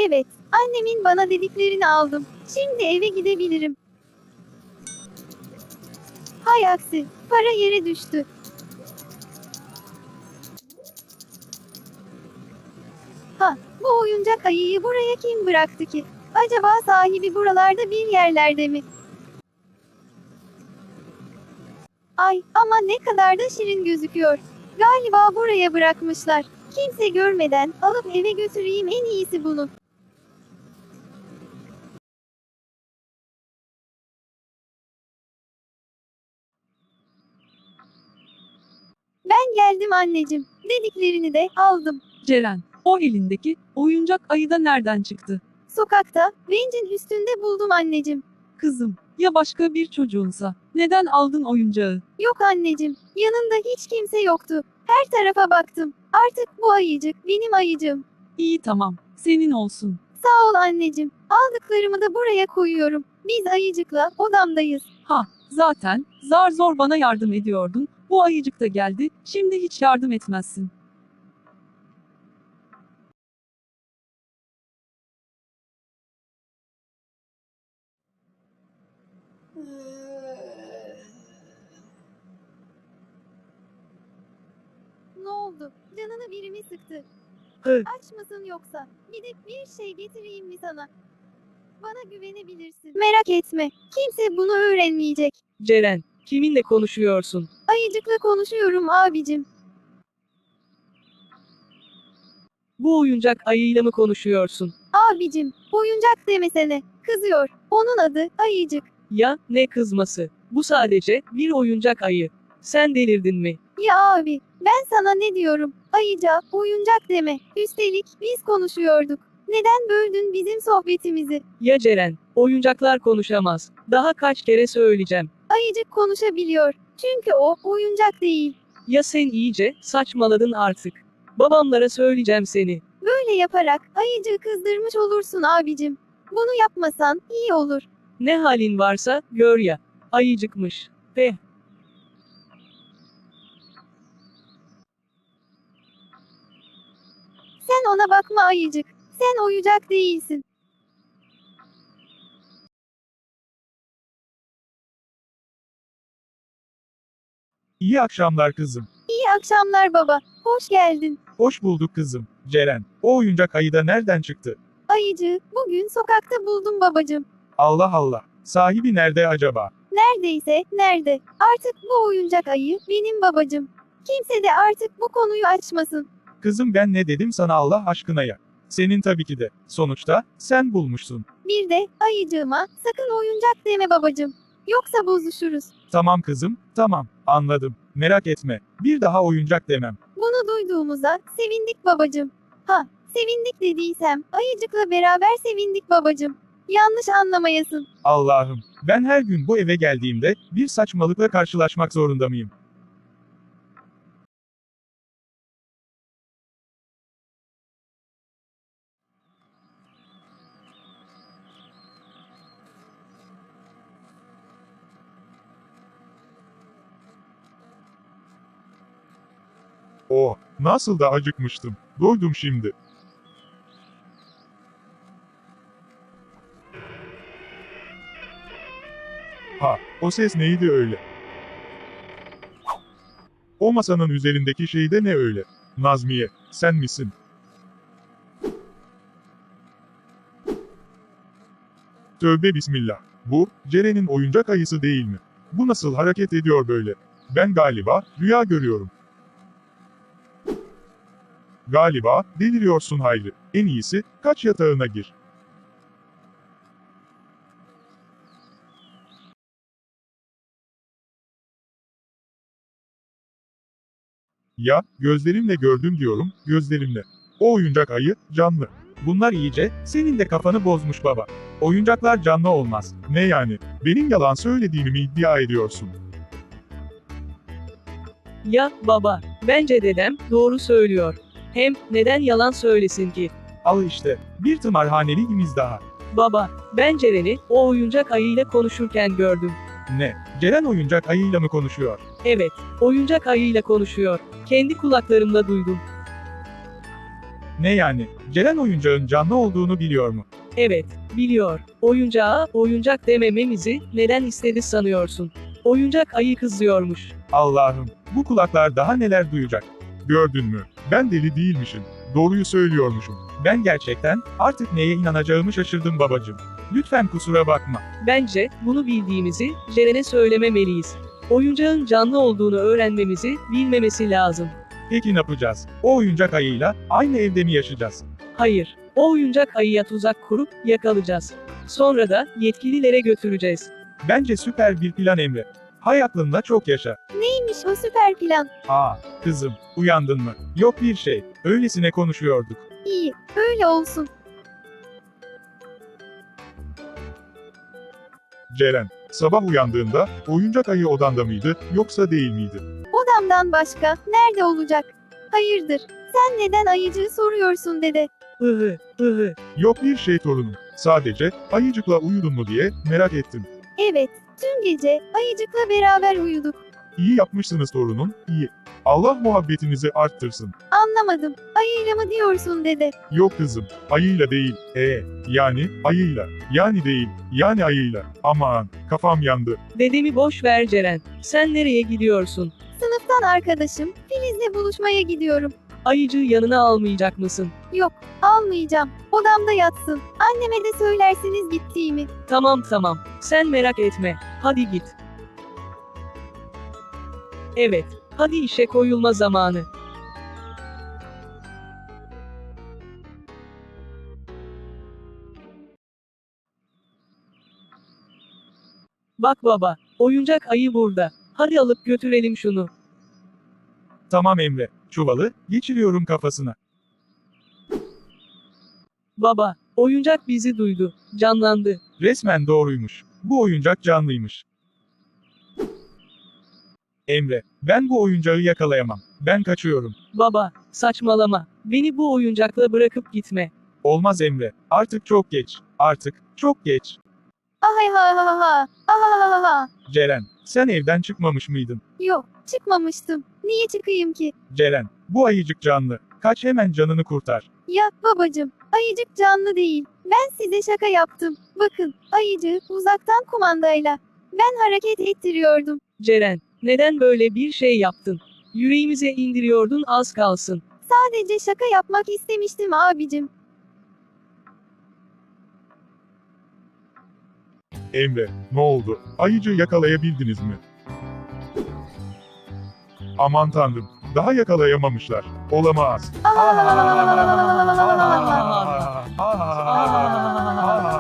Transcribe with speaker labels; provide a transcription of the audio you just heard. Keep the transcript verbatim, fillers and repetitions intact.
Speaker 1: Evet, annemin bana dediklerini aldım. Şimdi eve gidebilirim. Hay aksi, para yere düştü. Ha, bu oyuncak ayıyı buraya kim bıraktı ki? Acaba sahibi buralarda bir yerlerde mi? Ay, ama ne kadar da şirin gözüküyor. Galiba buraya bırakmışlar. Kimse görmeden alıp eve götüreyim, en iyisi bunu. Ben geldim anneciğim. Dediklerini de aldım.
Speaker 2: Ceren, o elindeki oyuncak ayı da nereden çıktı?
Speaker 1: Sokakta, bencin üstünde buldum anneciğim.
Speaker 2: Kızım, ya başka bir çocuğunsa, neden aldın oyuncağı?
Speaker 1: Yok anneciğim, yanında hiç kimse yoktu. Her tarafa baktım. Artık bu ayıcık benim ayıcığım.
Speaker 2: İyi tamam, senin olsun.
Speaker 1: Sağ ol anneciğim. Aldıklarımı da buraya koyuyorum. Biz ayıcıkla odamdayız.
Speaker 2: Ha, zaten, zar zor bana yardım ediyordun, bu ayıcık da geldi, şimdi hiç yardım etmezsin.
Speaker 1: Ne oldu? Canını biri mi sıktı?
Speaker 2: Hı.
Speaker 1: Aç mısın yoksa? Gidip bir şey getireyim mi sana? Bana güvenebilirsin. Merak etme. Kimse bunu öğrenmeyecek.
Speaker 2: Ceren, kiminle konuşuyorsun?
Speaker 1: Ayıcıkla konuşuyorum abicim.
Speaker 2: Bu oyuncak ayıyla mı konuşuyorsun?
Speaker 1: Abicim, oyuncak demesene. Kızıyor. Onun adı Ayıcık.
Speaker 2: Ya, ne kızması? Bu sadece bir oyuncak ayı. Sen delirdin mi?
Speaker 1: Ya abi, ben sana ne diyorum? Ayıca, oyuncak deme. Üstelik biz konuşuyorduk. Neden böldün bizim sohbetimizi?
Speaker 2: Ya Ceren, oyuncaklar konuşamaz. Daha kaç kere söyleyeceğim.
Speaker 1: Ayıcık konuşabiliyor. Çünkü o oyuncak değil.
Speaker 2: Ya sen iyice saçmaladın artık. Babamlara söyleyeceğim seni.
Speaker 1: Böyle yaparak ayıcığı kızdırmış olursun abicim. Bunu yapmasan iyi olur.
Speaker 2: Ne halin varsa gör ya. Ayıcıkmış. Peh.
Speaker 1: Sen ona bakma ayıcık. Sen oyuncak değilsin.
Speaker 3: İyi akşamlar kızım.
Speaker 1: İyi akşamlar baba. Hoş geldin.
Speaker 3: Hoş bulduk kızım. Ceren, o oyuncak ayı da nereden çıktı?
Speaker 1: Ayıcığı bugün sokakta buldum babacım.
Speaker 3: Allah Allah. Sahibi nerede acaba?
Speaker 1: Neredeyse nerede? Artık bu oyuncak ayı benim babacım. Kimse de artık bu konuyu açmasın.
Speaker 3: Kızım ben ne dedim sana Allah aşkına ya? Senin tabii ki de. Sonuçta sen bulmuşsun.
Speaker 1: Bir de ayıcığıma sakın oyuncak deme babacım. Yoksa bozuşuruz.
Speaker 3: Tamam kızım, tamam. Anladım. Merak etme. Bir daha oyuncak demem.
Speaker 1: Bunu duyduğumuza sevindik babacım. Ha, sevindik dediysem ayıcıkla beraber sevindik babacım. Yanlış anlamayasın.
Speaker 3: Allah'ım. Ben her gün bu eve geldiğimde bir saçmalıkla karşılaşmak zorunda mıyım? Oh, nasıl da acıkmıştım. Doydum şimdi. Ha, o ses neydi öyle? O masanın üzerindeki şey de ne öyle? Nazmiye, sen misin? Tövbe bismillah. Bu, Ceren'in oyuncak ayısı değil mi? Bu nasıl hareket ediyor böyle? Ben galiba, rüya görüyorum. Galiba, deliriyorsun Hayri. En iyisi, kaç yatağına gir. Ya, gözlerimle gördüm diyorum, gözlerimle. O oyuncak ayı, canlı. Bunlar iyice, senin de kafanı bozmuş baba. Oyuncaklar canlı olmaz. Ne yani? Benim yalan söylediğimi mi iddia ediyorsun?
Speaker 2: Ya, baba, bence dedem doğru söylüyor. Hem, neden yalan söylesin ki?
Speaker 3: Al işte, bir tımarhaneliğimiz daha.
Speaker 2: Baba, ben Ceren'i o oyuncak ayıyla konuşurken gördüm.
Speaker 3: Ne? Ceren oyuncak ayıyla mı konuşuyor?
Speaker 2: Evet, oyuncak ayıyla konuşuyor. Kendi kulaklarımla duydum.
Speaker 3: Ne yani? Ceren oyuncağın canlı olduğunu biliyor mu?
Speaker 4: Evet, biliyor. Oyuncağa oyuncak demememizi neden istedi sanıyorsun? Oyuncak ayı kızıyormuş.
Speaker 3: Allah'ım, bu kulaklar daha neler duyacak? Gördün mü? Ben deli değilmişim. Doğruyu söylüyormuşum. Ben gerçekten artık neye inanacağımı şaşırdım babacığım. Lütfen kusura bakma.
Speaker 4: Bence bunu bildiğimizi Ceren'e söylememeliyiz. Oyuncağın canlı olduğunu öğrenmemizi bilmemesi lazım.
Speaker 3: Peki ne yapacağız? O oyuncak ayıyla aynı evde mi yaşayacağız?
Speaker 4: Hayır, o oyuncak ayıya tuzak kurup yakalayacağız. Sonra da yetkililere götüreceğiz.
Speaker 3: Bence süper bir plan Emre. Hay aklınla çok yaşa.
Speaker 1: Neymiş o süper plan?
Speaker 3: Aa, kızım, uyandın mı? Yok bir şey, öylesine konuşuyorduk.
Speaker 1: İyi, öyle olsun.
Speaker 3: Ceren, sabah uyandığında oyuncak ayı odanda mıydı, yoksa değil miydi?
Speaker 1: Odamdan başka nerede olacak? Hayırdır? Sen neden ayıcığı soruyorsun dede?
Speaker 4: Ihı, ıhı.
Speaker 3: Yok bir şey torunum. Sadece ayıcıkla uyudun mu diye merak ettim.
Speaker 1: Evet, tüm gece ayıcıkla beraber uyuduk.
Speaker 3: İyi yapmışsınız torunum, iyi. Allah muhabbetinizi arttırsın.
Speaker 1: Anlamadım. Ayıyla mı diyorsun dede?
Speaker 3: Yok kızım, ayıyla değil, ee, yani ayıyla, yani değil, yani ayıyla. Aman, kafam yandı.
Speaker 4: Dedemi boş ver Ceren. Sen nereye gidiyorsun?
Speaker 1: Sınıftan arkadaşım Filiz'le buluşmaya gidiyorum.
Speaker 4: Ayıcığı yanına almayacak mısın?
Speaker 1: Yok, almayacağım. Odamda yatsın. Anneme de söylersiniz gittiğimi.
Speaker 4: Tamam tamam. Sen merak etme. Hadi git. Evet. Hadi işe koyulma zamanı. Bak baba, oyuncak ayı burada. Hadi alıp götürelim şunu.
Speaker 3: Tamam Emre, çuvalı geçiriyorum kafasına.
Speaker 4: Baba, oyuncak bizi duydu. Canlandı.
Speaker 3: Resmen doğruymuş. Bu oyuncak canlıymış. Emre, ben bu oyuncağı yakalayamam. Ben kaçıyorum.
Speaker 4: Baba, saçmalama. Beni bu oyuncakla bırakıp gitme.
Speaker 3: Olmaz Emre. Artık çok geç. Artık çok geç.
Speaker 1: Ahay ha ha ha. Aha ha ha.
Speaker 3: Ceren, sen evden çıkmamış mıydın?
Speaker 1: Yok, çıkmamıştım. Niye çıkayım ki?
Speaker 3: Ceren, bu ayıcık canlı. Kaç hemen canını kurtar.
Speaker 1: Ya babacım, ayıcık canlı değil. Ben size şaka yaptım. Bakın, ayıcığı uzaktan kumandayla. Ben hareket ettiriyordum.
Speaker 4: Ceren, neden böyle bir şey yaptın? Yüreğimize indiriyordun az kalsın.
Speaker 1: Sadece şaka yapmak istemiştim abicim.
Speaker 3: Emre, ne oldu? Ayıcı yakalayabildiniz mi? Aman tanrım, daha yakalayamamışlar. Olamaz.
Speaker 1: Aa!